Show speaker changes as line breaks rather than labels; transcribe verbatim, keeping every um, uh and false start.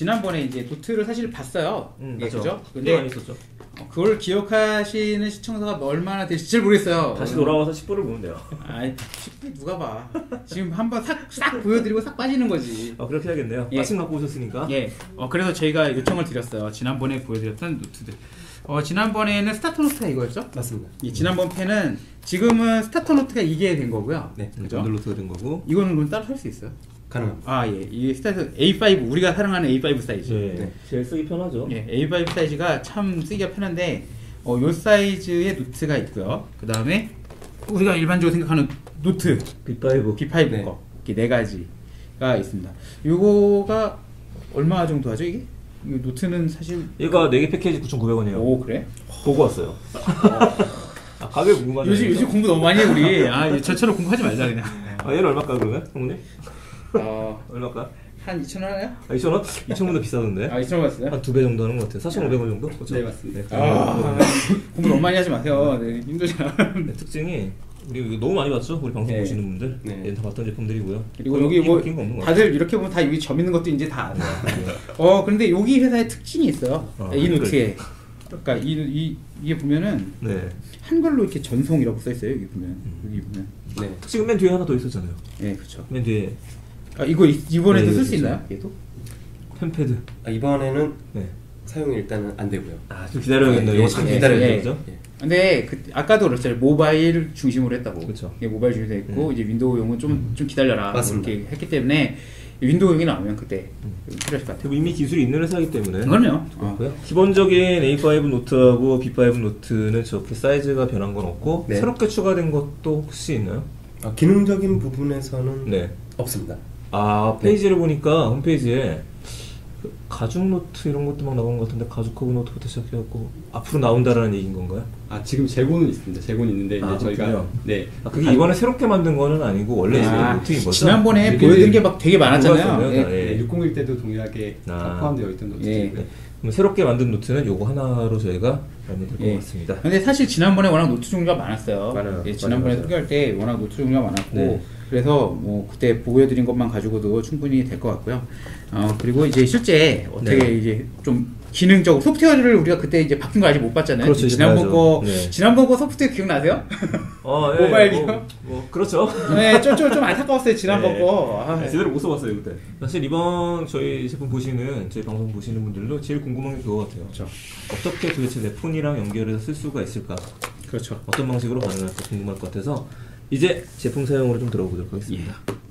지난번에 이제 노트를 사실 봤어요.
음,
예,
맞죠.
그죠?
근데 많이 있었죠.
어, 그걸 기억하시는 시청자가 얼마나 되실지 잘 모르겠어요.
다시 돌아와서 십 부를 보면 돼요.
아이, 십 부 누가 봐. 지금 한번 싹, 싹 보여드리고 싹 빠지는 거지.
아, 그렇게 해야겠네요.
예.
마침 갖고 오셨으니까.
예. 어, 그래서 저희가 요청을 드렸어요. 지난번에 보여드렸던 노트들. 어, 지난번에는 스타터 노트가 이거였죠?
맞습니다.
이 지난번 펜은 지금은 스타터 노트가 이게 된 거고요.
네,
그죠?
번들로트가 된 거고.
이거는 그럼 따로 살 수 있어요?
가능합니다.
아, 예. 이 스타터 에이 파이브, 우리가 사랑하는 에이 파이브 사이즈.
네.
네.
제일 쓰기 편하죠.
예, 에이 파이브 사이즈가 참 쓰기가 편한데, 어, 요 사이즈의 노트가 있고요. 그 다음에 우리가 일반적으로 생각하는 노트,
비 파이브.
비 파이브
네.
거, 이렇게 네 가지가 있습니다. 요거가 얼마 정도 하죠, 이게? 이 노트는 사실.
얘가 네 개 패키지 구천구백 원이에요.
오, 그래?
보고 왔어요. 아, 가격 궁금하네요.
요즘, 요즘 공부 너무 많이 해, 우리. 아, 저처럼 공부하지 말자, 그냥.
아, 얘는 얼마일까, 그러면? 형님?
어,
얼마일까?
한 이천 원 하나요?
아, 이천 원? 이천 원보다 비싸던데?
아, 이천 원 봤어요?
한 두 배 정도 하는 것 같아요. 사천오백 원 정도? 그렇죠?
네, 맞습니다.
아, 공부 너무 많이 하지 마세요. 네, 힘들잖아.
네, 특징이 우리 이거 너무 많이 봤죠? 우리 방송
네.
보시는 분들.
네.
얘는 다 봤던 제품들이고요.
그리고 여기 뭐
바뀐 거 없는 것 같아요.
다들 이렇게 보면 다 여기 점 있는 것도 이제 다 알아요. 어, 근데 여기 회사의 특징이 있어요.
아,
이
한글.
노트에. 그러니까 이, 이 이게 보면은
네.
한글로 이렇게 전송이라고 써 있어요. 여기 보면.
음.
여기 보면.
네.
지금 맨 뒤에 하나 더 있었잖아요.
예, 그렇죠.
맨 뒤에
아, 이거 이- 이번에도
네,
쓸 수
그렇죠.
있나요? 얘도?
펜패드.
아, 이번에는
네.
사용이 일단은 안 되고요.
아, 좀 기다려야겠네요.
예,
이거 참
예,
기다려야
예.
되죠?
예.
근데 그 아까도 그랬잖아요. 모바일 중심으로 했다고.
그쵸.
이게 모바일 중심으로 했고
음.
이제 윈도우용은 좀 좀 기다려라.
맞습니다.
이렇게 했기 때문에 윈도우용이 나오면 그때 좀 필요할 것 같아요.
그리고 이미 기술이 있는 회사이기 때문에.
그럼요. 어.
그렇고요. 기본적인 에이 파이브 노트하고 비 파이브 노트는 저렇게 사이즈가 변한 건 없고
네.
새롭게 추가된 것도 혹시 있나요?
아, 기능적인 부분에서는
네.
없습니다.
아, 페이지를 보니까 홈페이지에 그 가죽 노트 이런 것도 막 나오는 것 같은데 가죽 커브 노트부터 시작해갖고 앞으로 나온다라는 얘기인 건가요?
아 지금 재고는 있습니다. 재고는 있는데 이제
아,
저희가
그렇군요.
네
아, 그게 이번에 새롭게 만든 거는 아니고 원래 있는
아,
노트인 거죠?
지난번에
네,
보여드린
네.
게 막 되게 많았잖아요.
맞았어요.
예.
네.
네, 육공일 때도 동일하게
아.
다 포함되어 있던
예.
노트들이고요.
네. 그럼 새롭게 만든 노트는 요거 하나로 저희가 알면 될 것
예.
같습니다.
근데 사실 지난번에 워낙 노트 종류가 많았어요.
많아요.
예, 지난번에
맞아요, 맞아요.
소개할 때 워낙 노트 종류가 많았고
네.
그래서 뭐 그때 보여드린 것만 가지고도 충분히 될 것 같고요. 어, 그리고 이제 실제 어떻게
네.
이제 좀 기능적으로 소프트웨어를 우리가 그때 이제 바뀐 거 아직 못 봤잖아요.
그렇죠, 이제
지난번
봐야죠.
거
네.
지난번 거 소프트웨어 기억나세요?
어,
모바일이요?
뭐, 뭐 그렇죠.
네, 좀, 좀, 좀 안타까웠어요 지난번
네.
거. 아,
네, 제대로 못 써봤어요 그때. 사실 이번 저희 제품 보시는 저희 방송 보시는 분들도 제일 궁금한 게 그거 같아요.
그렇죠.
어떻게 도대체 내 폰이랑 연결해서 쓸 수가 있을까?
그렇죠.
어떤 방식으로 가능할까 궁금할 것 같아서 이제 제품 사용으로 좀 들어보도록 하겠습니다.
예.